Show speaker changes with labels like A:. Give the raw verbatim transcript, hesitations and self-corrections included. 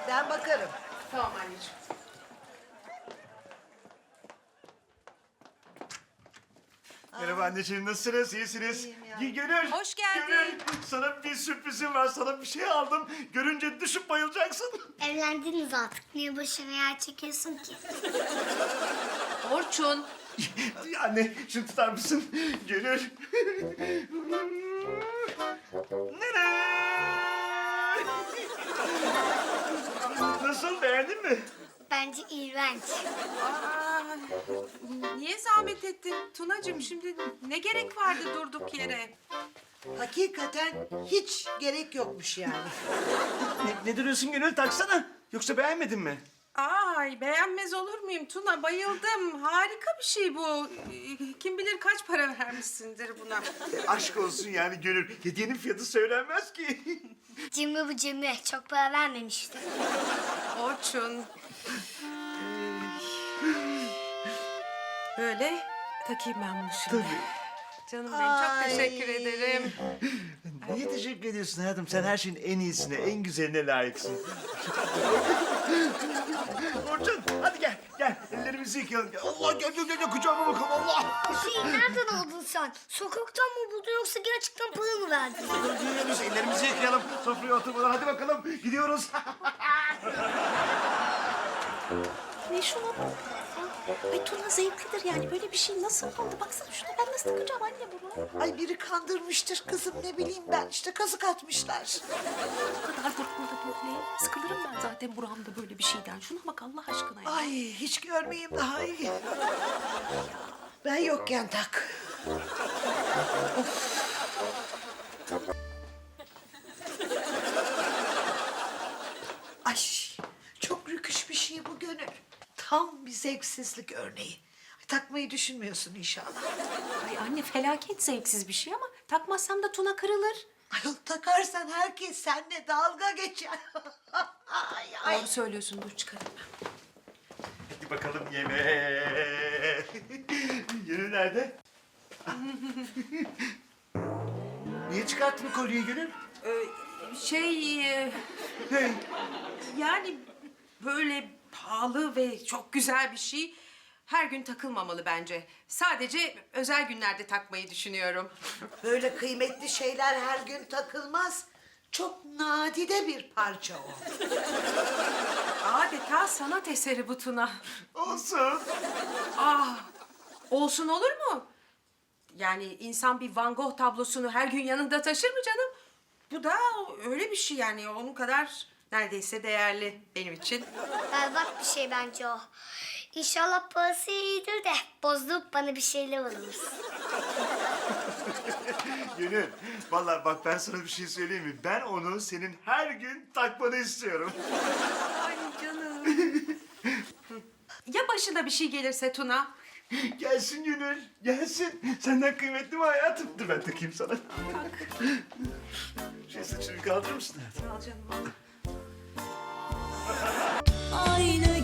A: Ben bakarım.
B: Tamam anneciğim.
C: Merhaba anneciğim, nasılsınız? İyisiniz?
A: İyiyim ya.
C: İyi, Gönül.
B: Hoş geldin.
C: Gönül, sana bir sürprizim var. Sana bir şey aldım. Görünce düşüp bayılacaksın.
D: Evlendiniz artık. Niye başına yer çekiyorsun ki?
B: Orçun.
C: Anne, şunu tutar mısın? Gönül. Nene! Nasıl, beğendin mi?
D: Bence iğrenç.
B: Aa, niye zahmet ettin Tunacığım? Şimdi ne gerek vardı durduk yere?
A: Hakikaten hiç gerek yokmuş yani.
C: Ne, ne duruyorsun Gönül? Taksana. Yoksa beğenmedin mi?
B: Ay beğenmez olur muyum Tuna? Bayıldım. Harika bir şey bu. Kim bilir kaç para vermişsindir buna.
C: E, aşk olsun yani Gönül. Hediyenin fiyatı söylenmez ki.
D: Cimri bu cimri. Çok para vermemişti.
B: Orçun. Böyle takayım ben bunu şimdi. Canım benim çok
A: Ay.
B: teşekkür ederim.
C: Niye teşekkür ediyorsun hayatım? Sen her şeyin en iyisine, en güzeline layıksın. Orçun, hadi gel, gel. Ellerimizi yıkayalım. Allah, gel, gel, gel, kucağıma bakalım, Allah.
D: Şey nereden aldın sen? Sokaktan mı buldun yoksa gerçekten para mı verdin?
C: Gidiyoruz, ellerimizi yıkayalım. Sofraya oturmadan hadi bakalım, gidiyoruz.
E: Ne şuna bak. Ay Tuna zevklidir yani. Böyle bir şey nasıl oldu? Baksana şuna, ben nasıl takacağım anne bunu?
A: Ay biri kandırmıştır kızım, ne bileyim ben. İşte kazık atmışlar.
E: Bu kadar durma da böyle. Sıkılırım ben zaten buramda böyle bir şeyden. Şuna bak Allah aşkına ya.
A: Ay hiç görmeyeyim daha iyi. Ben yokken tak. Ay çok rüküş bir şey bu Gönül. Tam bir zevksizlik örneği. Ay, takmayı düşünmüyorsun inşallah.
E: Ay anne felaket zevksiz bir şey ama takmazsam da Tuna kırılır.
A: Ayol takarsan herkes seninle dalga geçer. ay, ay.
E: Doğru söylüyorsun, dur çıkarım ben.
C: Hadi bakalım yemeğe. Gönül nerede? Niye çıkarttın kolyeyi Gönül?
B: Şey, e,
C: Hey.
B: yani böyle pahalı ve çok güzel bir şey her gün takılmamalı bence. Sadece özel günlerde takmayı düşünüyorum.
A: Böyle kıymetli şeyler her gün takılmaz. Çok nadide bir parça o.
B: Adeta sanat eseri bu Tuna.
C: Olsun.
B: Ah, olsun olur mu? Yani insan bir Van Gogh tablosunu her gün yanında taşır mı canım? Bu da öyle bir şey yani onun kadar neredeyse değerli benim için.
D: Berbat bir şey bence o. İnşallah parası iyidir de bozdurup bana bir şeyler alırız.
C: Gönül, vallahi bak ben sana bir şey söyleyeyim mi? Ben onu senin her gün takmanı istiyorum.
B: Ay canım. Ya başına bir şey gelirse Tuna?
C: Gelsin Gönül, gelsin. Senden kıymetli mi hayatım? Dur ben takayım sana. Şey saçını kaldırır mısın hayatım?
B: Al canım al.
E: Aynı